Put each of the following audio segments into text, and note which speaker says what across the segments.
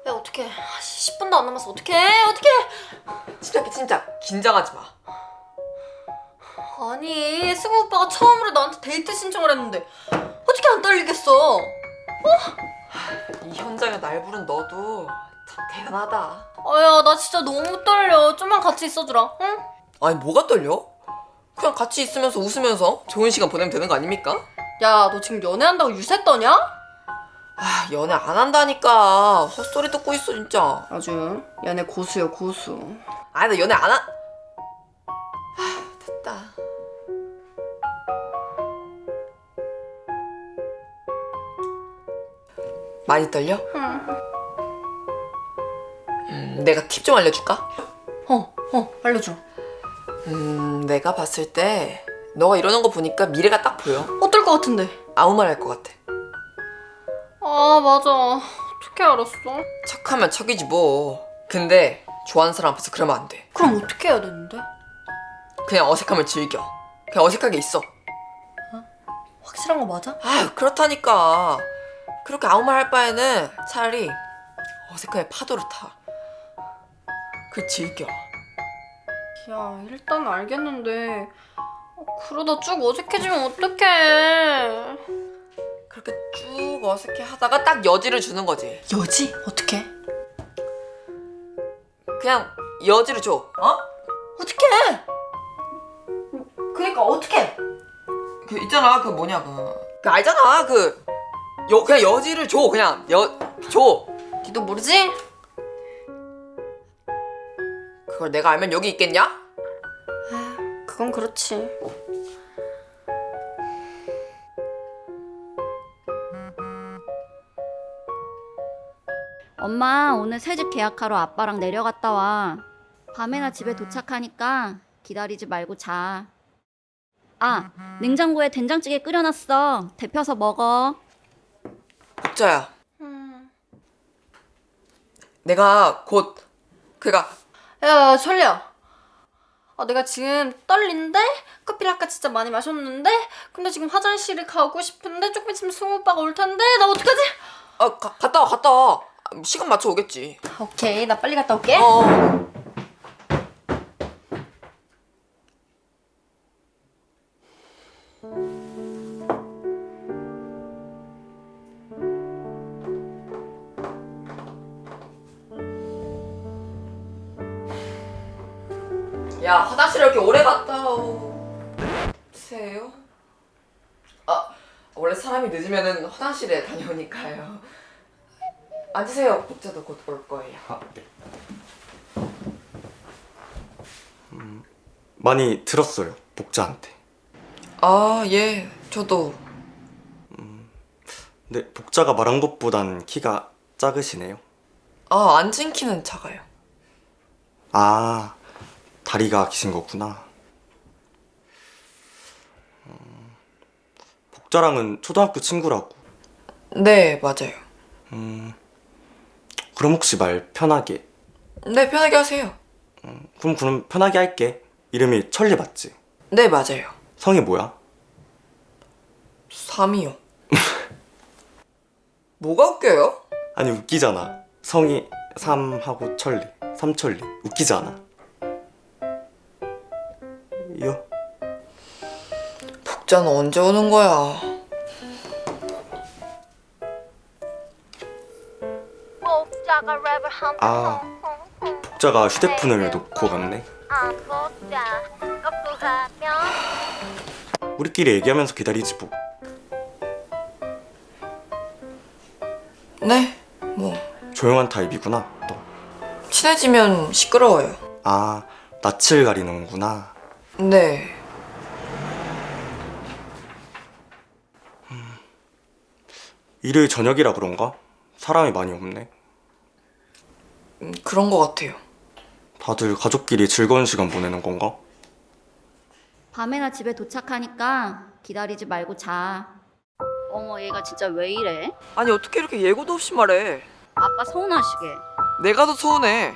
Speaker 1: 야 어떡해. 10분도 안 남았어. 어떡해.
Speaker 2: 진짜 긴장하지 마.
Speaker 1: 아니 승우 오빠가 처음으로 나한테 데이트 신청을 했는데 어떻게 안 떨리겠어.
Speaker 2: 이 현장에 날 부른 너도 참 대단하다.
Speaker 1: 아야 나 진짜 너무 떨려. 좀만 같이 있어주라. 응?
Speaker 2: 아니 뭐가 떨려? 그냥 같이 있으면서 웃으면서 좋은 시간 보내면 되는 거 아닙니까?
Speaker 1: 야 너 지금 연애한다고 유세 떠냐?
Speaker 2: 아 연애 안 한다니까. 헛소리 듣고 있어 진짜.
Speaker 1: 아주 연애 고수요 고수.
Speaker 2: 아니 나 연애 안 한... 됐다. 많이 떨려? 내가 팁 좀 알려줄까?
Speaker 1: 알려줘.
Speaker 2: 내가 봤을 때 너가 이러는 거 보니까 미래가 딱 보여.
Speaker 1: 어떨 것 같은데?
Speaker 2: 아무 말 할 것 같아.
Speaker 1: 아 맞아. 어떻게 알았어?
Speaker 2: 척하면 척이지 뭐. 근데 좋아하는 사람 앞에서 그러면 안 돼.
Speaker 1: 그럼 어떻게 해야 되는데?
Speaker 2: 그냥 어색함을 즐겨. 그냥 어색하게 있어.
Speaker 1: 확실한 거 맞아?
Speaker 2: 아유 그렇다니까. 그렇게 아무 말 할 바에는 차라리 어색하게 파도를 타. 그 즐겨.
Speaker 1: 야 일단 알겠는데 그러다 쭉 어색해지면 어떡해.
Speaker 2: 그렇게 쭉 어색해 하다가 딱 여지를 주는 거지.
Speaker 1: 여지? 어떻게?
Speaker 2: 그냥 여지를 줘. 어?
Speaker 1: 어떡해? 그니까 어떡해?
Speaker 2: 그 있잖아 그 뭐냐 그 알잖아 그냥 여지를 줘. 그냥 줘.
Speaker 1: 니도 모르지?
Speaker 2: 그걸 내가 알면 여기 있겠냐?
Speaker 1: 그건 그렇지.
Speaker 3: 엄마 오늘 새집 계약하러 아빠랑 내려갔다 와. 밤에나 집에 도착하니까 기다리지 말고 자. 아, 냉장고에 된장찌개 끓여놨어. 데펴서 먹어.
Speaker 2: 복자야. 내가 곧
Speaker 1: 야 철리야. 내가 지금 떨린데? 커피를 아까 진짜 많이 마셨는데? 근데 지금 화장실을 가고 싶은데 조금 있으면 승우 오빠가 올 텐데? 나 어떡하지?
Speaker 2: 갔다 와. 시간 맞춰 오겠지.
Speaker 1: 오케이 나 빨리 갔다 올게.
Speaker 2: 야 화장실에 이렇게 오래 갔다 오세요? 원래 사람이 늦으면은 화장실에 다녀오니까요. 앉으세요. 복자도 곧 올 거예요.
Speaker 4: 네. 많이 들었어요, 복자한테.
Speaker 2: 예. 저도.
Speaker 4: 근데 복자가 말한 것보단 키가 작으시네요.
Speaker 2: 앉은 키는 작아요.
Speaker 4: 아, 다리가 기신 거구나. 복자랑은 초등학교 친구라고.
Speaker 2: 네, 맞아요.
Speaker 4: 그럼 혹시 말 편하게.
Speaker 2: 네, 편하게 하세요.
Speaker 4: 그럼 편하게 할게. 이름이 천리 맞지?
Speaker 2: 네, 맞아요.
Speaker 4: 성이 뭐야?
Speaker 2: 3이요. 뭐가 웃겨요?
Speaker 4: 아니 웃기잖아. 성이 삼하고 천리, 삼천리. 웃기지 않아? 이요?
Speaker 2: 복자는 언제 오는 거야?
Speaker 4: 아, 복자가 휴대폰을 놓고 갔네. 우리끼리 얘기하면서 기다리지 뭐.
Speaker 2: 네, 뭐
Speaker 4: 조용한 타입이구나 너.
Speaker 2: 친해지면 시끄러워요.
Speaker 4: 아, 낯을 가리는구나.
Speaker 2: 네.
Speaker 4: 일요일 저녁이라 그런가? 사람이 많이 없네.
Speaker 2: 그런 거 같아요.
Speaker 4: 다들 가족끼리 즐거운 시간 보내는 건가?
Speaker 3: 밤에나 집에 도착하니까 기다리지 말고 자. 어머 얘가 진짜 왜 이래?
Speaker 2: 아니 어떻게 이렇게 예고도 없이 말해?
Speaker 3: 아빠 서운하시게.
Speaker 2: 내가 더 서운해.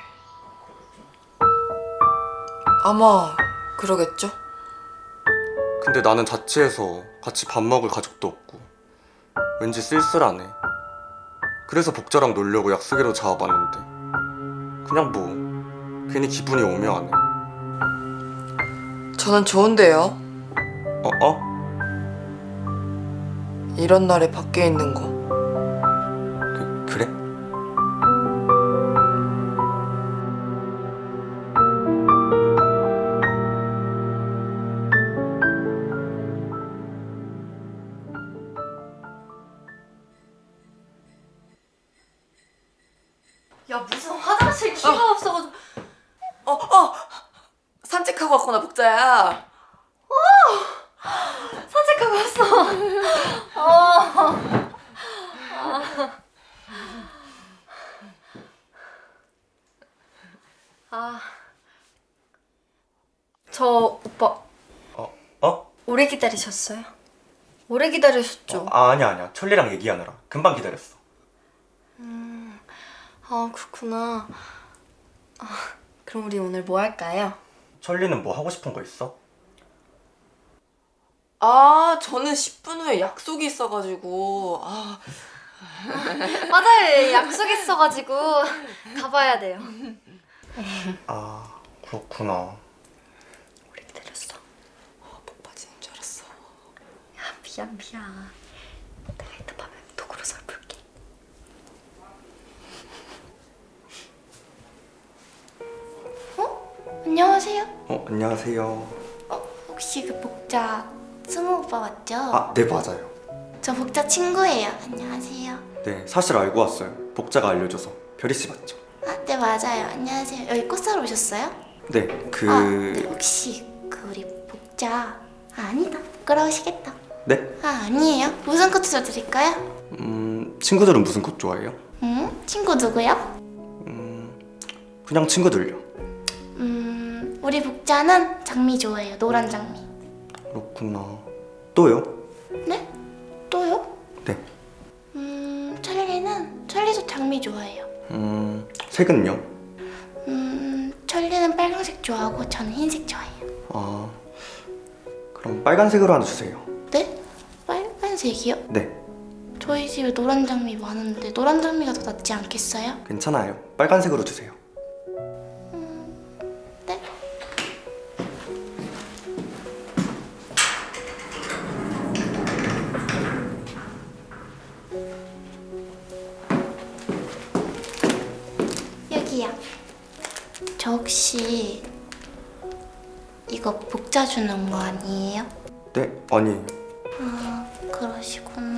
Speaker 2: 아마 그러겠죠?
Speaker 4: 근데 나는 자취해서 같이 밥 먹을 가족도 없고 왠지 쓸쓸하네. 그래서 복자랑 놀려고 약속이라도 잡아봤는데 그냥 뭐 괜히 기분이 오묘하네.
Speaker 2: 저는 좋은데요.
Speaker 4: 어?
Speaker 2: 이런 날에 밖에 있는 거.
Speaker 4: 그래?
Speaker 1: 야 무슨 화장실 키가 없어가지고.
Speaker 2: 산책하고 왔구나, 복자야.
Speaker 1: 산책하고 왔어. 저 오빠
Speaker 4: 어?
Speaker 1: 오래 기다리셨어요? 오래 기다리셨죠?
Speaker 4: 아니야. 천리랑 얘기하느라 금방 기다렸어.
Speaker 1: 아 그렇구나. 그럼 우리 오늘 뭐 할까요?
Speaker 4: 천리는 뭐 하고 싶은 거 있어?
Speaker 2: 저는 10분 후에 약속이 있어가지고.
Speaker 1: 맞아요. 약속 있어가지고 가봐야 돼요.
Speaker 4: 아, 그렇구나.
Speaker 1: 오래 기다렸어.
Speaker 2: 복받이는 줄 알았어.
Speaker 1: 야 미안. 내가 이따 밤에 도구로 설볼게.
Speaker 5: 안녕하세요.
Speaker 4: 안녕하세요.
Speaker 5: 혹시 그 복자 승우 오빠 맞죠?
Speaker 4: 네, 맞아요.
Speaker 5: 저 복자 친구예요. 안녕하세요.
Speaker 4: 네, 사실 알고 왔어요. 복자가 알려줘서. 별이 씨 맞죠?
Speaker 5: 네 맞아요. 안녕하세요. 여기 꽃 사러 오셨어요?
Speaker 4: 네,
Speaker 5: 네, 혹시 그 우리 복자 아니다. 부끄러우시겠다.
Speaker 4: 네?
Speaker 5: 아니에요. 무슨 꽃 드릴까요?
Speaker 4: 친구들은 무슨 꽃 좋아해요?
Speaker 5: 친구 누구요?
Speaker 4: 그냥 친구들요.
Speaker 5: 우리 복자는 장미 좋아해요. 노란 장미.
Speaker 4: 그렇구나. 또요?
Speaker 5: 네? 또요?
Speaker 4: 네.
Speaker 5: 천리도 장미 좋아해요.
Speaker 4: 색은요?
Speaker 5: 천리는 빨간색 좋아하고 저는 흰색 좋아해요.
Speaker 4: 그럼 빨간색으로 하나 주세요.
Speaker 5: 네? 빨간색이요?
Speaker 4: 네,
Speaker 5: 저희 집에 노란 장미 많은데 노란 장미가 더 낫지 않겠어요?
Speaker 4: 괜찮아요. 빨간색으로 주세요.
Speaker 5: 네? 여기요. 저 혹시 이거 복자 주는 거 아니에요?
Speaker 4: 네, 아니에요.
Speaker 5: 그러시구나.